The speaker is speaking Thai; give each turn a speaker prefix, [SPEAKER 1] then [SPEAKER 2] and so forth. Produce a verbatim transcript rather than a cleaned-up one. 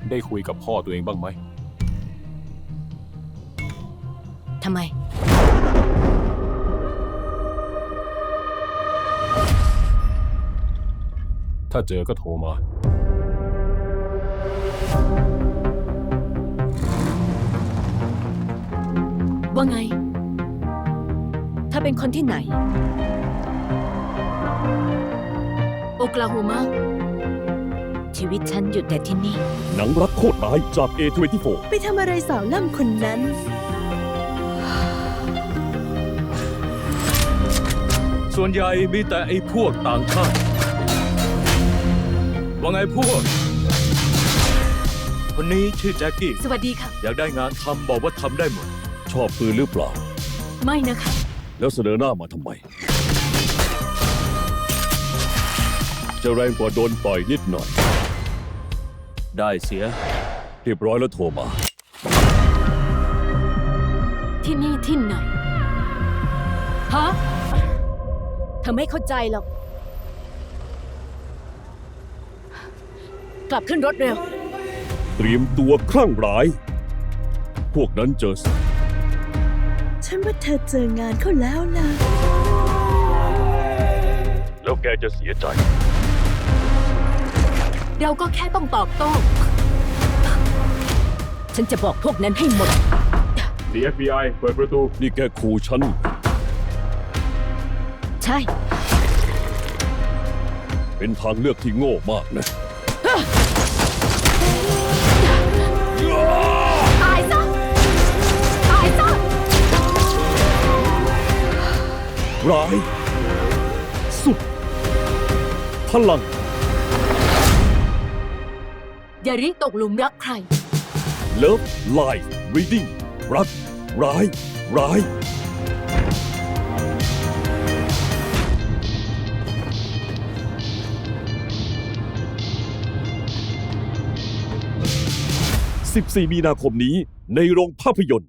[SPEAKER 1] ได้คุยกับพ่อตัวเองบ้างไหม
[SPEAKER 2] ทำไม
[SPEAKER 1] ถ้าเจอก็โทรมา
[SPEAKER 2] ว่าไงถ้าเป็นคนที่ไหนโอคลาโฮมาชีวิตฉันหยุดแต่ที่นี่
[SPEAKER 3] หนังรักโคตรร้ายจาก เอ ยี่สิบสี่
[SPEAKER 4] ไปทำอะไรสาวล่ำคนนั้น
[SPEAKER 1] ส่วนใหญ่มีแต่ไอ้พวกต่างชาติว่าไงพวกคนนี้ชื่อแจ็คกี้
[SPEAKER 2] สวัสดีค่ะ
[SPEAKER 1] อยากได้งานทำบอกว่าทำได้หมด
[SPEAKER 3] ชอบปืนหรือเปล่า
[SPEAKER 2] ไม่นะคะ
[SPEAKER 3] แล้วเสนอหน้ามาทำไม จะแรงกว่าโดนต่อยนิดหน่อย
[SPEAKER 1] ได้เสีย
[SPEAKER 3] เรียบร้อยแล้วโทรมา
[SPEAKER 2] ที่นี่ที่ไหนฮะเธอไม่เข้าใจหรอกกลับขึ้นรถเร็ว
[SPEAKER 3] เตรียมตัวคลั่งร้าย พวกนั้นเจอสัตว์
[SPEAKER 4] ฉันว่าเธอเจองานเขาแล้วล่ะ
[SPEAKER 3] แล้วแกจะเสียใจ
[SPEAKER 2] เราก็แค่ต้องตอบโต้ฉันจะบอกพวกนั้นให้หมด
[SPEAKER 1] ดี เอฟ บี ไอ เปิดประตู
[SPEAKER 3] นี่แกขู่ฉัน
[SPEAKER 2] ใช่
[SPEAKER 3] เป็นทางเลือกที่โง่มากนะ
[SPEAKER 2] ตายซะตายซะ
[SPEAKER 3] ร้ายสุดพลัง
[SPEAKER 2] อย่ารีตกหลุมรักใคร
[SPEAKER 3] Love Life Reading รักร้ายร้ายสิบสี่มีนาคมนี้ในโรงภาพยนตร์